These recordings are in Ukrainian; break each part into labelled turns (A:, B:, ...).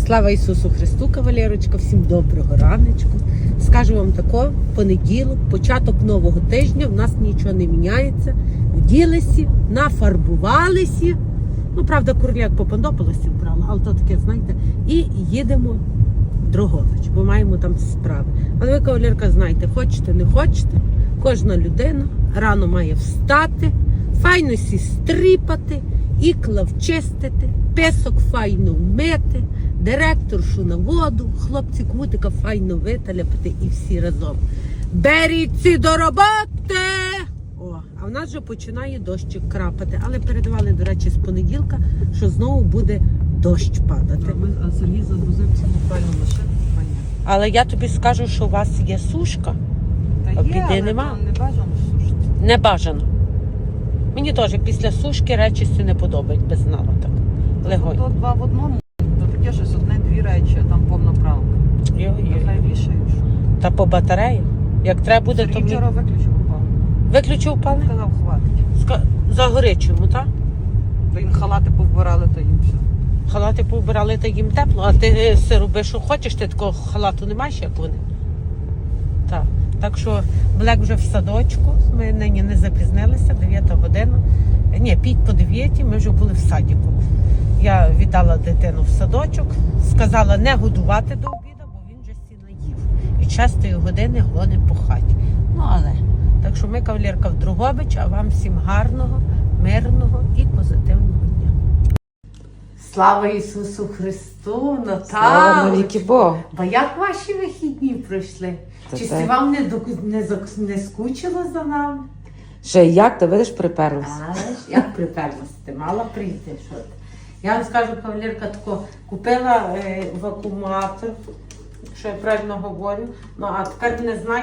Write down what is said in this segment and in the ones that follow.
A: Слава Ісусу Христу, кавалерочка, всім доброго раночку. Скажу вам тако, понеділок, початок нового тижня, в нас нічого не міняється. Вділися, нафарбувалися. Ну, правда, курляк попондопалося вбрала, але то таке, знаєте, і їдемо в Дрогобич, бо маємо там справи. Але ви, кавалерка, знаєте, хочете, не хочете, кожна людина рано має встати, файно сі стріпати, ікла вчистити, песок файно вмити, директоршу на воду, хлопці кутика файно виталяпати і всі разом. Беріться до роботи! О, а в нас вже починає дощик крапати. Але передавали, до речі, з понеділка, що знову буде дощ падати.
B: А Сергій загрузив цілу файну машину.
A: Але я тобі скажу, що у вас є сушка.
B: Та
A: Біди
B: є, але
A: нема.
B: не бажано сушити.
A: Не бажано. Мені теж після сушки речі не подобають без знала так. Легонь.
B: То два в одному, то таке щось одне-дві речі, а там повна правка. Нехай вішаєш.
A: Та по батареї. Як треба буде, то
B: Сергій вчора виключив упав.
A: виключив пали?
B: Сказав, хватить.
A: За горячому, так?
B: То їм халати повбирали, то їм все.
A: Халати повбирали, та їм тепло, а ти все роби, що хочеш, ти такого халату не маєш, як вони. Так. Так що Блек вже в садочку, ми нині не запізнилися, 9 година. Ні, 5:45, ми вже були в садіку. Я віддала дитину в садочок, сказала не годувати до обіду, бо він вже сіна їв. І 6 години гони по хаті. Ну, але, так що ми, кавалерка, в Дрогобич, а вам всім гарного, мирного і позитивного дня. Слава Ісусу Христу,
B: Слава навіки Богу.
A: Бо як ваші вихідні пройшли? Чи
B: так.
A: вам не скучило за нами?
B: Ще як, ти видиш, приперлася.
A: Але ж як приперлася? Ти мала прийти, що ти? Я вам скажу, кавалерка, тако, купила вакууматор, що я правильно говорю, ну а тепер не знаю,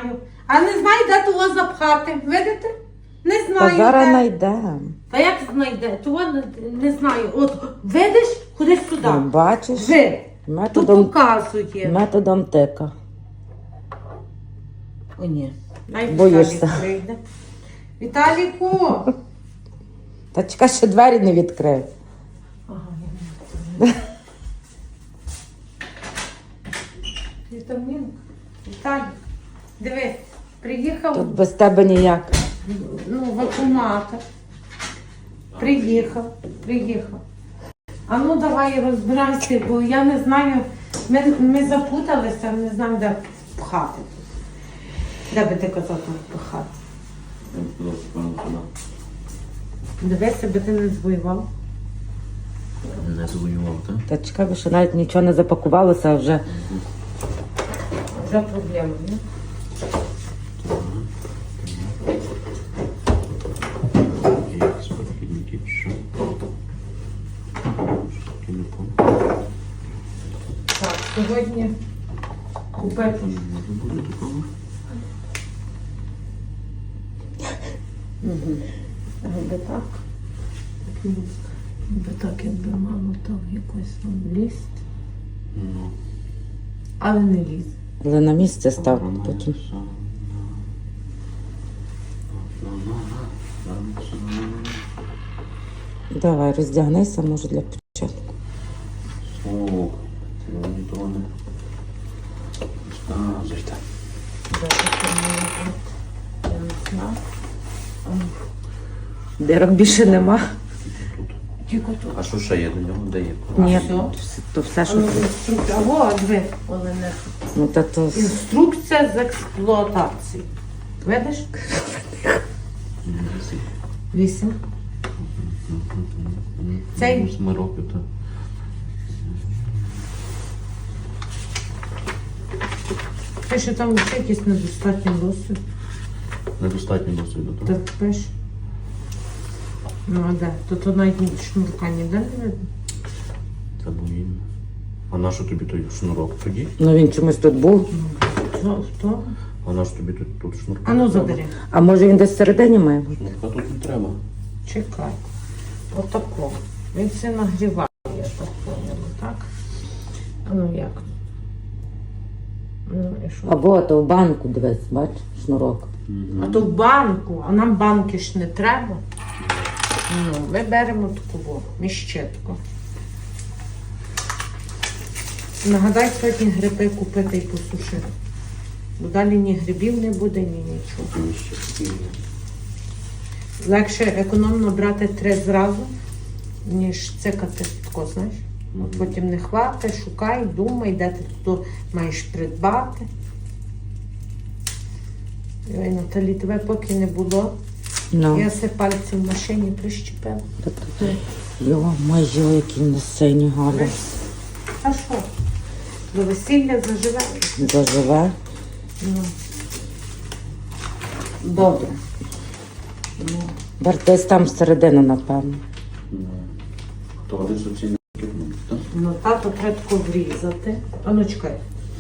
A: де того запхати, видите? Не знаю,
B: Та зараз
A: де.
B: знайдемо.
A: Та як знайде? Того не знаю. От, видиш, кудись сюди.
B: Ну, бачиш,
A: Ви, тут
B: методом,
A: показує.
B: методом тика.
A: О, ні. Най
B: Боїшся.
A: Віталік прийде. Віталіку!
B: Та чекай, ще двері не відкрив.
A: Ага, я не Вітамінка. Віталік, дивись, приїхав,
B: Тут без тебе ніяк.
A: вакууматор. Приїхав. А ну давай розбирайся, бо я не знаю, ми запуталися, не знаю, де пхати. Де би ти казав там пхати? Дивися, би ти не звоював.
C: Не завоював, так?
B: Та чекай, бо ще навіть нічого не запакувалося, а вже.
A: Вже проблема, не?
C: Є спортивники, що? Що не помню.
A: Так, сьогодні купити.
C: Може буде такого?
A: Аби так. Аби так, якби мама там якось там лізть.
C: Ну.
A: Але не ліз.
B: Але на місце став
C: Вона
B: потім.
C: все.
B: Давай, роздягнися, може, для початку.
C: Слухай, сьогодні того не... Зайти.
A: Я не знаю.
B: Дирок більше нема.
A: Тільки тут.
C: А що ще є до нього? Де є?
B: Ні,
A: все?
B: то все,
A: А
B: що.
A: ну, інструкція. О, диви, Олене.
B: Ну, та то.
A: Інструкція з експлуатації. Видиш? 8. Цей?
C: 8 років, так.
A: Те, що там ще якийсь недостатній досвід.
C: Недостатньо досвіду, так?
A: Так пиш. Ну, а де? Тут навіть шнурка ніде не видно.
C: Це був він. А на що тобі той шнурок тоді?
B: Ну він чомусь тут був.
A: Хто?
C: А на що тобі тут шнурок?
A: А ну забери.
B: А може він десь всередині має бути?
C: Шнурка тут не треба.
A: Чекай. Отако. Він все нагріває, я так поняла, так? А ну як? Ну і що?
B: Або то в банку дивись, бач, шнурок.
A: А то в банку, а нам банки ж не треба. Ну, ми беремо таку міщетку. Нагадай сьогодні гриби купити і посушити. Бо далі ні грибів не буде, ні нічого.
C: Там ще такі.
A: Легше економно брати 3 зразу, ніж цикати тако, знаєш. От потім не хвати, шукай, думай, де ти тут маєш придбати. Ой, Наталі, тебе поки не було.
D: Ну,
A: Я все пальці в машині прищепила.
D: йо, майже які на сині Галя.
A: А що? До весілля заживе?
D: Заживе.
A: Ну. Добре. Ну.
D: Десь там всередину, напевно.
C: То один суцільний кипнув, так?
A: Ну, тато треба тако врізати. А ну чекай.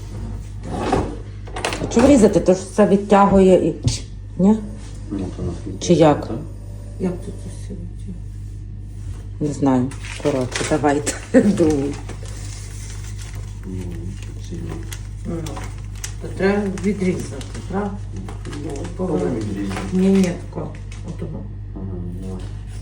D: А чого врізати? То ж все відтягує і... Ні?
C: Ну, то нас
D: Чи як?
C: так?
A: Як тут усе відтягує?
D: Не знаю. Коротше, давайте. Думаю.
C: Ну, суцільний.
A: Ну, то треба відрізати, правда? Ну,
C: Коли
A: поверни.
C: відрізати?
A: Ні, тако. Отого.
C: Ага, давай.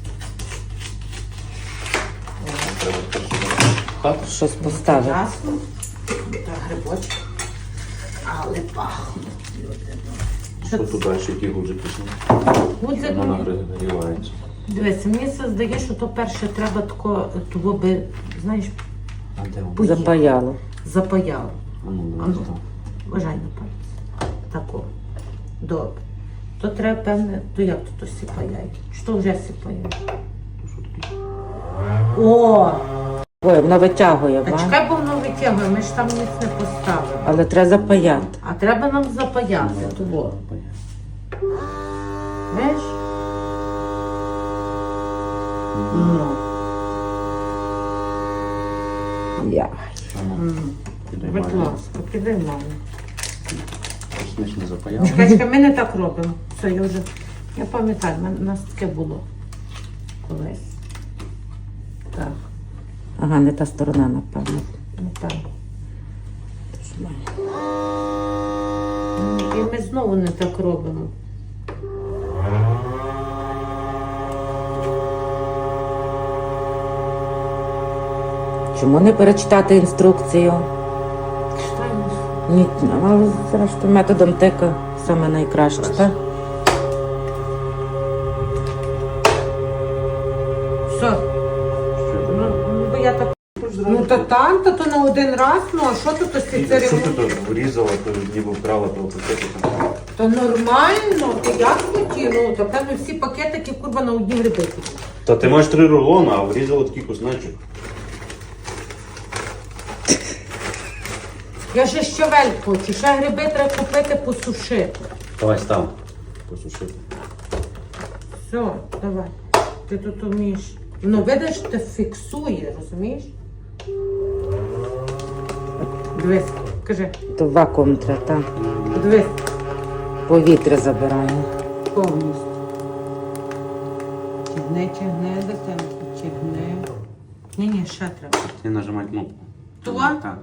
C: Треба спершу хати.
D: Щось поставити.
A: Ясно. Та грибочки. Але пахнуть.
C: Що тут далі, які гудзики?
A: Гудзик,
C: Воно нагрівається.
A: дивися, мені це здає, що то перше треба тако, того би, знаєш,
C: А де воно?
D: Запаяло.
A: запаяло.
C: А ну,
A: А
C: давай
A: ну,
C: там.
A: вважай на пальці. Тако. Добре. То треба, певне, то як тут сіпаяє? Що вже сіпає?
C: Що таке?
A: О!
D: Ой, воно витягує,
A: А
D: ба?
A: чекай, бо воно витягує, ми ж там ніц не поставили.
D: Але треба запаяти.
A: А треба нам запаяти того. Знаєш? Ну.
D: Я.
C: Підай
A: Будь
C: маю.
A: ласка, підай маму.
C: Космич не запаяв.
A: Чекай, ми не так робимо. Все, я вже. Я пам'ятаю, у нас таке було колись. Так,
D: Ага, не та сторона, напевно.
A: напевно. І ми знову не так робимо.
D: Чому не перечитати інструкцію?
A: Читаємо.
D: Ні, але зрештою методом тика саме найкраще, так?
A: Все.
C: Що
A: Ну,
C: ти?
A: бо я так. Ну, та там, то на один раз, ну, а що тут ось ці
C: Що ти
A: ремонт?
C: тут врізала, то ніби вкрала того пакетика?
A: Та нормально, ти як хотів, ну, та певно всі пакетики, курва, на одні гриби.
C: Та ти маєш 3 рулони, а врізала такий кусочок.
A: Я ще щавель хочу, ще гриби треба купити, посушити.
C: Давай став. Посушити.
A: Все, давай. Ти тут вмієш. Ну, видиш, ти фіксує, розумієш? Дивись, кажи,
D: То вакуум треба, так?
A: дивись,
D: Повітря забирає.
A: повністю. Тягни, дитинку, тягни. Ні, ще треба.
C: Ти нажимай кнопку.
A: Ту?
C: Так.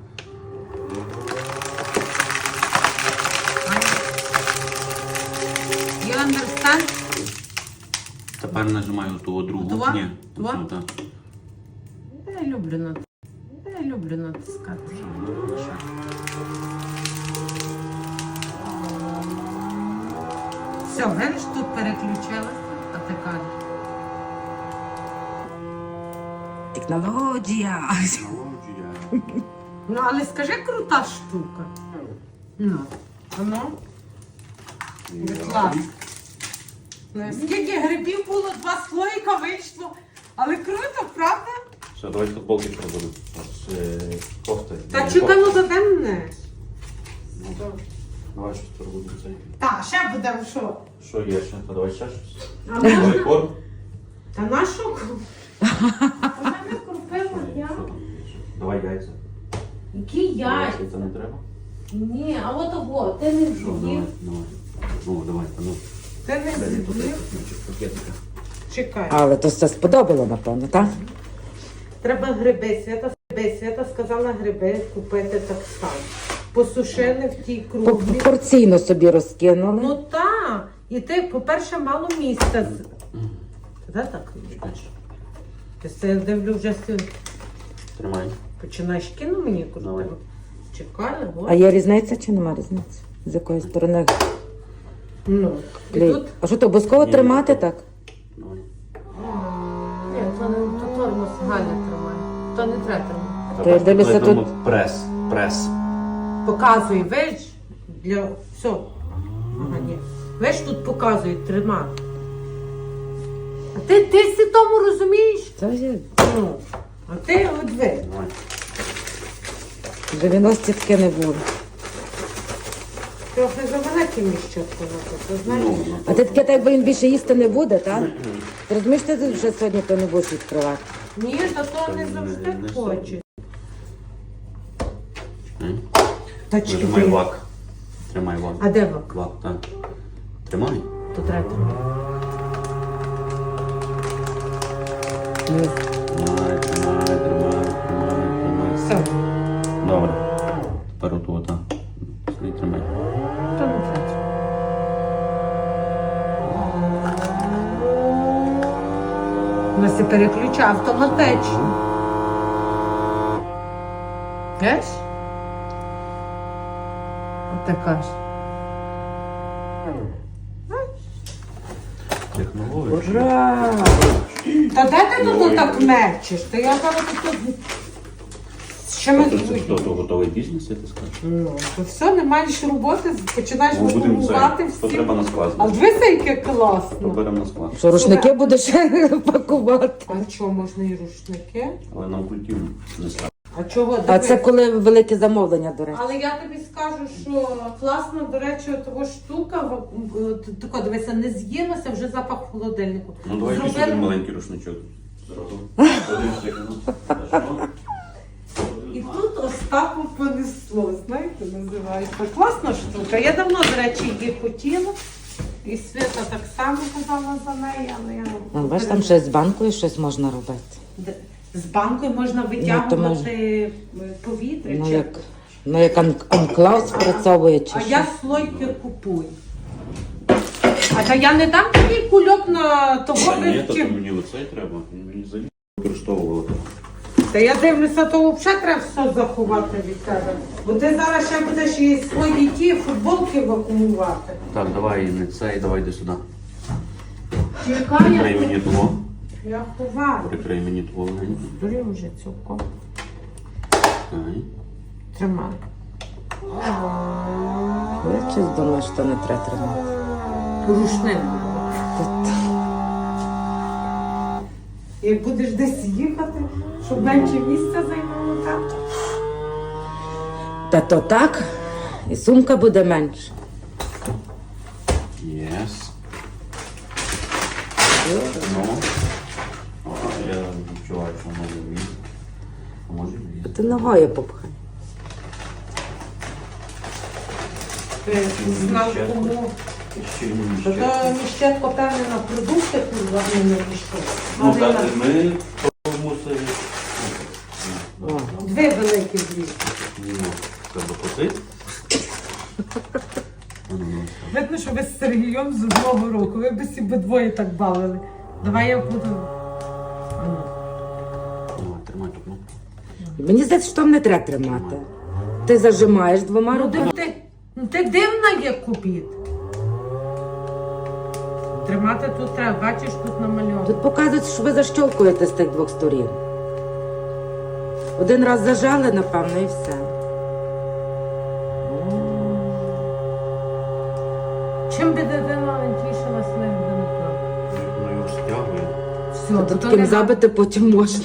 A: You understand?
C: Тепер нажимаю ту другу.
A: Ту?
C: Ні.
A: Ту?
C: Ту, так.
A: Я люблю натискати. Все, видиш, тут переключилася, а ти кажеш.
D: Технологія.
A: Ну, але скажи, крута штука. Ну, воно. Будь ласка. Ну, скільки грибів було, 2 слоїка вийшло. Але круто, правда?
C: Все, давай футболки пробудемо. Кофти.
A: Та чекаємо за мене.
C: Ну так. Давай щось пробудемо цей.
A: Так, ще будемо що?
C: Що є ще? Та давай ще щось.
A: А
C: Давай корм.
A: Та на що? Вона не купила я.
C: Що там є ще? Давай яйця.
A: Які яйця?
C: Яйця не треба?
A: Ні, а от ого, ти не
C: Ну,
A: з'їв.
C: давай, давай. Ну, давай, та ну.
A: Ти не
C: Дай мені тут
A: з'їв.
C: кусочок пакетика.
A: Чекай.
D: Але то все сподобало, напевно, так?
A: Треба гриби. Свята сказала гриби купити так само. Посушили в тій круглі.
D: Порційно собі розкинули.
A: Ну так. І ти, по-перше, мало місця. Де так?
C: Чекай.
A: Я дивлю вже сьогодні.
C: Тримай.
A: Починаєш кіно мені
C: Давай.
A: крутити. Чекай,
D: А є різниця чи нема різниці? З якої сторони
A: Ну, і
D: клей?
A: тут...
D: А що то обов'язково
C: Ні,
D: тримати
C: ні.
D: так?
C: Давай.
A: Ні, то тормоз Галя тримає. То не треба тримати.
D: То я дивлюся,
C: Коли
D: тут-
C: там Прес. Прес.
A: Показуй, виш, для... Все. Ага, ні. Виш тут показує, тримати. А ти всі тому розумієш?
D: Це є.
A: Ну, а ти от ви.
C: Давай.
D: 90 таке не було.
A: Трохи завеликі міщатку на то, знаєш?
C: Ну,
D: А ти таке, так якби він більше їсти не буде, так? Ти розумієш, ти тут вже сьогодні то не будеш відкривати.
A: Ні, та то не завжди
C: не
A: хоче.
C: М?
A: Тачки
C: Нажимай
A: ти.
C: вак. Тримай вак.
A: А де вак?
C: Вак, так. Тримай.
A: То треба тримати.
C: Тримай, тримай, тримай, тримай, тримай.
A: Все,
C: Добре. Тепер оту, так. Не тримай.
A: то не треба. У нас і переключає автоматично. Знаєш? От така ж.
C: Технологія.
D: Ура!
A: Та де ти тут так мечеш? Та я зараз тут... Що ми
C: Це що, то готовий бізнес, я ти скажу?
A: Ну, то все, не маєш роботи, починаєш
C: Ну, будемо
A: вакуумувати
C: це. То
A: всі.
C: треба на склад.
A: А дивися, яке
C: То
A: класно.
C: беремо на склад.
D: Що, рушники будеш пакувати?
A: А чого можна і рушники?
C: Але нам культивно не ставимо.
A: А чого?
D: А
A: Диви.
D: це коли велике замовлення, до речі.
A: Але я тобі скажу, що класно, до речі, того штука, тако, дивися, не з'їлося, вже запах в холодильнику.
C: Ну давай якийсь
A: Зробили-
C: один маленький рушничок. Зразу. Подивимося, як воно.
A: І тут Остапу понесло, знаєте, називається. Класна штука. Я давно, до речі, її хотіла. І Свята так само казала за неї, але я...
D: Ну, бачиш, там щось з банкою щось можна робити.
A: З банкою можна витягувати повітря.
D: Ну,
A: чи-
D: як анклав спрацьовує чи
A: А
D: що.
A: я слойки купую. А та я не дам тобі кульок на того
C: Та ні, то
A: вивчив.
C: мені оцей треба. Мені взагалі використовували.
A: Та я дивлюся, то взагалі треба все заховати від тебе. Бо ти зараз ще будеш і свої ті футболки вакуумувати.
C: Так, давай не цей, давай йди сюди.
A: Чекай,
C: Прикрий мені того.
A: я ховаю.
C: Прикрий мені того легенько.
A: Бери вже цілком.
C: Ай.
A: Тримай.
D: Я щось думаю, що не треба тримати.
A: Рушник. Як будеш десь їхати, щоб менше місця займало, так?
D: Та то так, і сумка буде менше.
C: Єс. Ну. О, я відчуваю, що може влізти. А може влізти.
D: Ти ногою попхай.
A: Ти знав кому.
C: Ще й
A: Та
C: ще.
A: то міщетко, певне, на продукти курва не пішов.
C: Ну
A: Але
C: так,
A: на
C: ми то мусили.
A: дві великі злі.
C: Ну, треба косити.
A: Видно, що ви з Сергієм з одного року. Ви б всі двоє так бавили. Давай я буду.
C: Давай, тримай тут, ну.
D: Мені здається, що там не треба тримати. Ти зажимаєш двома
A: Ну
D: руками.
A: ти дивна є купіт. Тримати тут треба, бачиш, тут намальовано.
D: Тут показується, що ви защолкуєте з тих двох сторін. Один раз зажали, напевно, і все.
A: Чим би дитина тішилась, не буде не плакати.
C: Воно його стягує.
A: Все,
D: Та
A: то
D: таким
A: не
D: забити потім можна.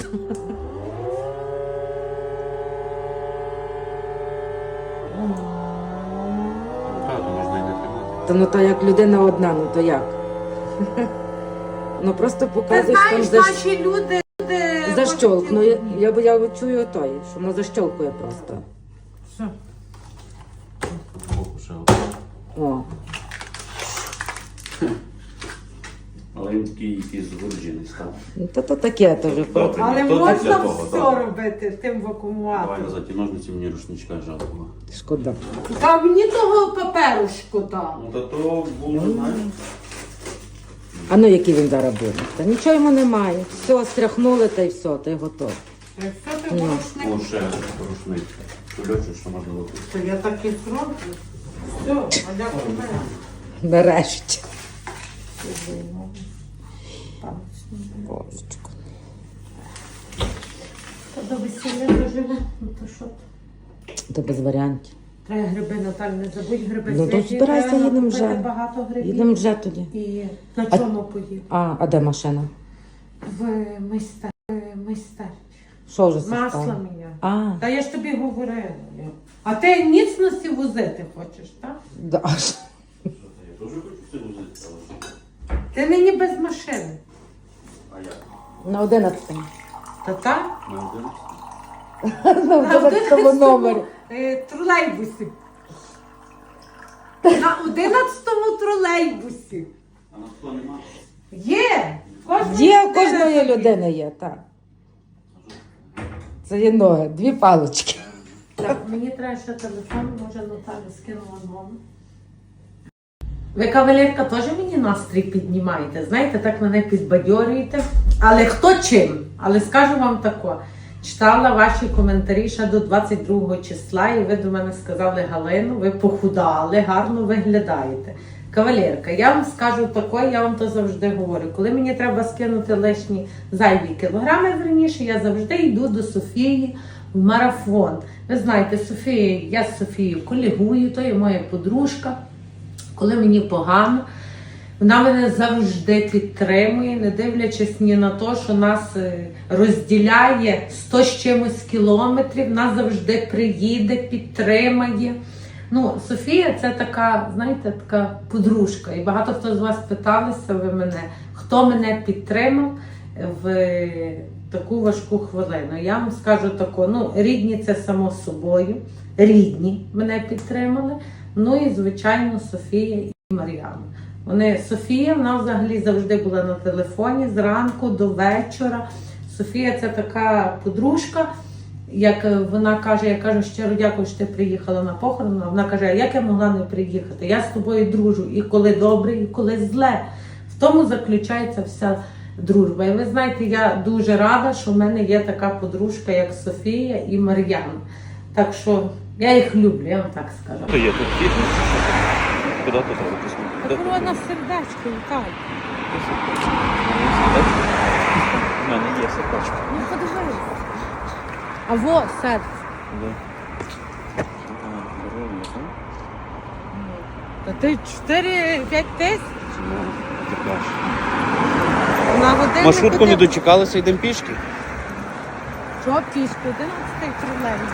C: Так, то можна і не тримати.
D: Та ну то як людина одна, ну то як? Ну просто
A: Ти
D: показуєш там
A: знаєш, наші люди...
D: защолкнує. Я чую той, що воно защолкує просто.
A: Все.
C: Боку ще один.
D: О.
C: Але він такий якийсь згорджений став.
D: Ну то таке то вже.
C: Добре.
A: Але
C: Ні, то
A: можна
C: для того,
A: все
C: так.
A: робити тим
C: Давай
A: вакуумувати.
C: назад ті ножниці, мені рушничка жалко.
D: Шкода.
A: Та мені того паперу шкода.
C: Ну та то було, знаєш.
D: А ну який він зараз буде? Та нічого йому немає. Все, стряхнули та й все, та й готово.
A: Все ти
D: Ну.
A: рушник.
C: О, ще рушниця. Кульочок, що можна робити.
A: То я так і зроблю. Все, а дякую мене.
D: Нарешті. Божечко.
A: Та до весілля доживе, ну то що?
D: То без варіантів.
A: Треба гриби, Наталь, не забудь гриби.
D: Ну, то
A: свіжі,
D: збирайся,
A: треба
D: їдемо
A: купити
D: вже.
A: багато грибів.
D: Їдемо вже тоді.
A: І на чому поїдемо?
D: А де машина?
A: В майстер.
D: Що вже
A: Масло
D: стало?
A: міняти.
D: А,
A: Та я ж тобі говорила. А ти ніцності возити хочеш, так?
D: да.
C: Я теж хочу це возити, але що?
A: Ти нині без машини.
C: А як?
D: На 11.
A: Та так?
C: На 11?
D: На 11 номері.
A: Тролейбусі. На 11-му тролейбусі.
C: А на 100 нема?
A: Є!
D: Є, у кожної людини є, так. Це є ноги, 2 палички.
A: Так, мені треба ще телефон, може Наталя скинула номер. Ви, кавалерка, теж мені настрій піднімаєте, знаєте, так мене підбадьорюєте. Але хто чим? Але скажу вам тако. Читала ваші коментарі ще до 22 числа, і ви до мене сказали: Галину, ви похудали, гарно виглядаєте. Кавалерка, я вам скажу тако, я вам то завжди говорю. Коли мені треба скинути лишні зайві кілограми, верніше, я завжди йду до Софії в марафон. Ви знаєте, я з Софією колегую, то є моя подружка. Коли мені погано, вона мене завжди підтримує, не дивлячись ні на те, що нас розділяє 100 з чимось кілометрів, вона завжди приїде, підтримає. Ну, Софія це така, знаєте, така подружка. І багато хто з вас питалися ви мене, хто мене підтримав в таку важку хвилину. Я вам скажу тако, ну, рідні це само собою, рідні мене підтримали. Ну і, звичайно, Софія і Мар'яна. Софія, вона взагалі завжди була на телефоні зранку до вечора. Софія це така подружка, як вона каже, я кажу, щиро дякую, що ти приїхала на похорон. Вона каже, а як я могла не приїхати? Я з тобою дружу і коли добре, і коли зле. В тому заключається вся дружба. І ви знаєте, я дуже рада, що в мене є така подружка, як Софія і Мар'яна. Так що я їх люблю, я вам так скажу.
C: То є тут фітнес? Куди тут запустити?
A: Корона сердечко, Віталій.
C: У мене є сердечко.
A: Ну подивись. А во, серце.
C: Да.
A: Та ти 4-5 тисяч
C: Ти кажеш.
A: на годину.
C: Маршрутку не дочекалися, йдемо пішки?
A: Що пішки? 11-й тролейбус.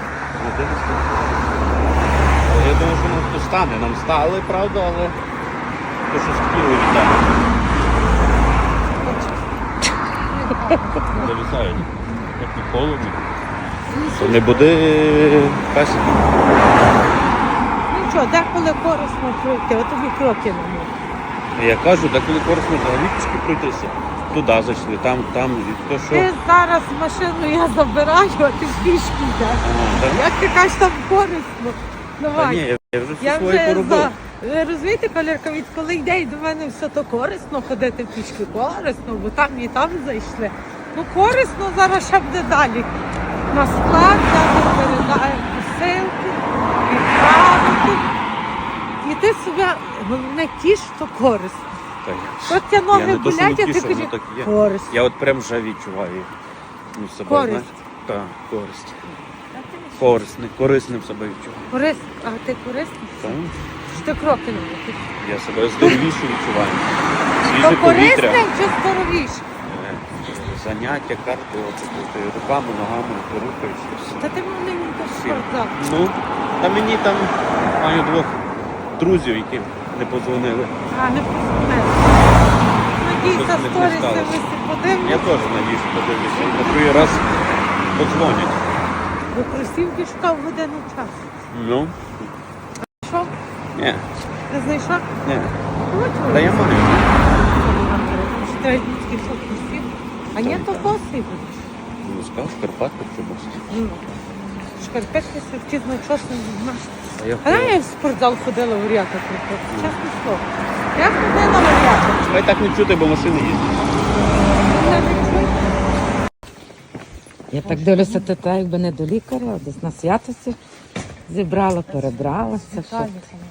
C: Але я думаю, що нас тут стане. Нам стали, правда, але то щось хотіли віддати. Зависають. Як не холодно. То не буде песика.
A: Ну що, деколи корисно пройти, от тобі кроки не можна.
C: Я кажу, деколи корисно взагалі пішки пройтися. Туди зайшли, там, і то що.
A: Ти зараз машину я забираю, а ти пішки йдеш. Як ти кажеш, там корисно?
C: Та
A: Давай.
C: ні, я вже всі
A: Я
C: свої
A: вже
C: поробив.
A: Ви розумієте, колірка, відколи йде і до мене все то корисно ходити пішки, корисно, бо там і там зайшли. Ну корисно зараз ще буде далі. На склад зараз передаємо посилки, відправити. І ти себе головне тіш, що корисно.
C: Так.
A: От ті
C: Я
A: ноги
C: не то, що
A: болять, а
C: не
A: ти
C: тішу,
A: кажеш,
C: воно так і є.
A: корисно.
C: Я от прям вже відчуваю себе,
A: Користь.
C: знаєте? Так, користь. Корисним себе відчуваю.
A: Корисно. А ти корисний?
C: Так.
A: Чи ти кроки не робиш?
C: Я себе здоровіше відчуваю.
A: То
C: Свіже повітря.
A: корисним чи здоровіше?
C: Заняття, кардіо, ти руками, ногами рухаєшся. все.
A: Та ти мене не йдеш
C: Всім.
A: спортзал.
C: Ну, та мені там маю 2 друзів, які не подзвонили.
A: А, не познаю. Надійся,
C: Щось не
A: сторіси
C: сталося.
A: ви всі
C: Я
A: подивлюся.
C: теж надіюсь, подивлюся. І на другий раз подзвонять.
A: До кросівки шукав годину часу.
C: Ну,
A: Що?
C: ні,
A: Не знайшов?
C: ні.
A: Хочу.
C: Та я маю.
A: Чи треба тільки що кросівки? А ні, то боси будеш.
C: Ну, скажу, Карпатка чи босі.
A: Ну, шкарпетки сертізно часом не знаєш.
C: А я
A: А я в спортзал ходила в Оріата. Чесне слово. Я ходила в Оріата.
C: Має так не чути, бо машини їздять.
A: Я не чую.
D: Я так дивлюся, ти так якби не до лікаря, а десь на святості зібрала, перебралася. Що?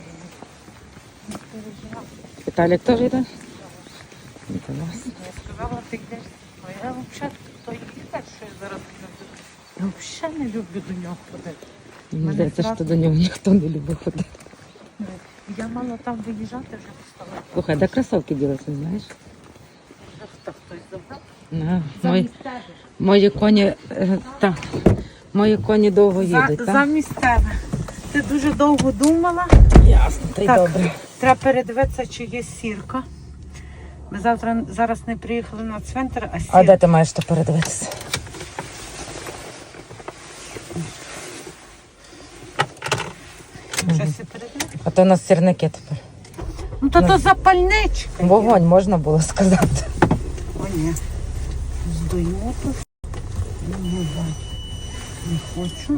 D: Віталік теж йде? Інтересно.
A: Я сказала, ти йдеш. А я взагалі то їхати, що я зараз люблю. Я взагалі не люблю до нього ходити.
D: Мені здається, що до нього ніхто не любить ходити.
A: Я мала там виїжджати, вже встала.
D: Слухай, де кросовки ділися, знаєш?
A: Хто хтось забрав?
D: Мої, мої коні, мої коні довго їдуть, так?
A: Замість тебе. Ти дуже довго думала.
D: Ясно, та й
A: Так.
D: добре.
A: Треба передивитися, чи є сірка. Ми зараз не приїхали на цвинтар, а
D: А
A: сірка.
D: де ти маєш то передивитися?
A: Щось і передивитися.
D: А то у нас сірники тепер.
A: Ну то запальничка. є.
D: Вогонь, можна було сказати.
A: О, ні. Здоїмо тут. Не хочу.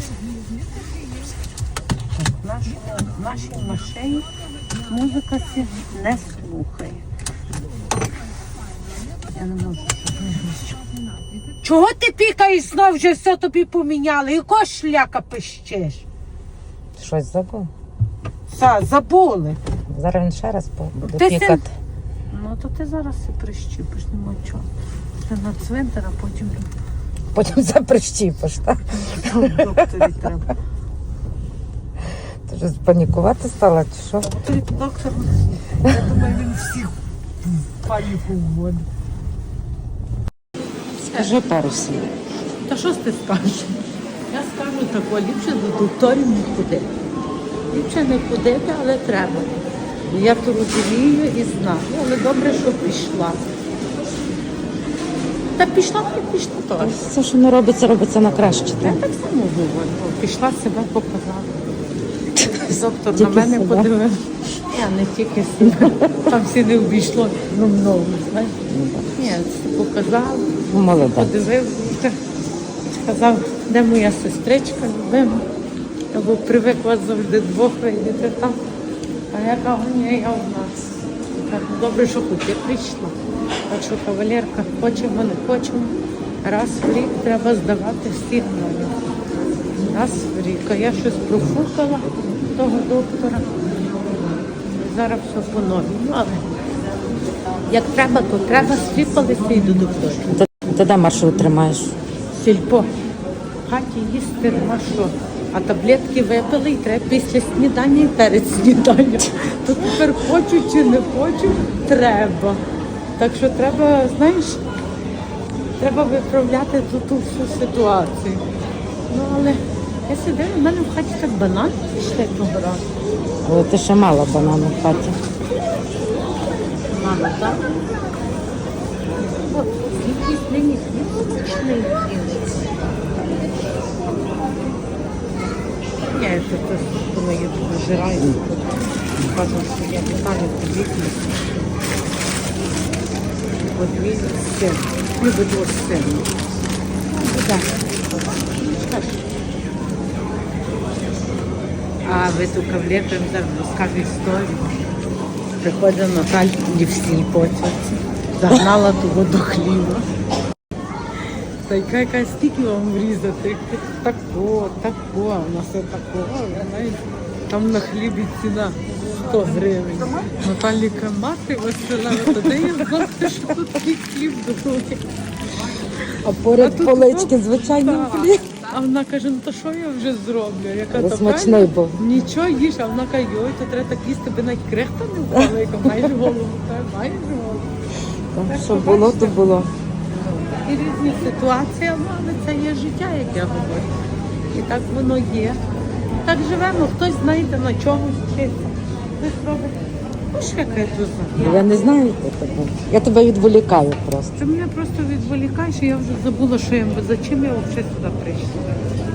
A: Так, в нашій машині музика сі не слухає. Я не можу. Чого ти пікаєш знов, вже все тобі поміняли? Якого шляка пищеш?
D: Щось забув.
A: Забули.
D: Зараз він ще раз буде
A: Ти
D: пікати.
A: Ну то ти зараз і прищіпиш, нема чого. Ти на цвинтар, а потім
D: Потім це прищіпиш, так?
A: до докторі треба.
D: Ти вже панікувати стала, чи що?
A: Докторі доктор, я думаю, він всіх в паніку вводить.
D: Скажи пару слів.
A: Та що ж ти скажеш? Я скажу тако, ліпше до докторів не ходити. Ліпше не ходити, але треба. Я то розумію і знаю, але добре, що пішла. Та пішла, не пішла теж.
D: Все, що не робиться, робиться на краще.
A: Я
D: Так?
A: так само говорю. Пішла, себе показала. Доктор на
D: Тільки
A: мене
D: себе?
A: подивився. Я не тільки себе. Там всі не обійшло много, знаєш. Ні, це показала.
D: Ну, молодець.
A: Подивився, сказав, де моя сестричка любима. Я був привикла завжди двох видіти там. А я кажу, ні, я одна. Так, добре, що хоч я прийшла. Так що кавалерка, хочемо, не хочемо. Раз в рік треба здавати всі гномі. Раз в рік. А я щось профукала того доктора. Зараз все по-новому. Але як треба, то треба, сліпалися і до доктора.
D: Ти де маршрут тримаєш?
A: Сільпо. В хаті їсти нема що. А таблетки випили і треба після снідання і перед сніданням. То тепер хочу чи не хочу, треба. Так що треба, знаєш, треба виправляти ту всю ситуацію. Ну, але я сидила, в мене в хаті так банан пішли того разу.
D: Але ти ще мала банану в хаті.
A: Мама, так? От, якийсь нині хліб смачний. Я це коли я нажираю, кажу, що я питаю подібне. Подвійний сир. Любить ось сир. Так. А ви ту кавлету зараз розкажу історію. Приходить Наталя в сільпо, загнала того до хліба. Та яка стільки вам врізати? Тако, а у нас все тако, знаєте, там на хлібі ціна 100 гривень. Наталіка, мати Васила, тоді я знати, що тут такий хліб дорогий.
D: А поряд
A: А тут
D: полички
A: от,
D: звичайним
A: так.
D: хліб.
A: А вона каже, ну то що я вже зроблю? Я кажу,
D: Але
A: «Та
D: смачний
A: правильно,
D: був.
A: Нічого їж, а вона каже, йой, то треба так їсти, би навіть крихта не впала. Я кажу, маєш голову, та маєш голову.
D: Так, що було, то було.
A: І різні ситуації, але це є життя, як я говорю. І так воно є. Так живемо, хтось, знаєте, на чомусь вчиться. Хтось робить. Ну, що яка я тут знаю.
D: Я не знаю, хто тебе. Я тебе відволікаю просто.
A: Ти мене просто відволікаєш, і я вже забула, що я за чим я взагалі сюди прийшла.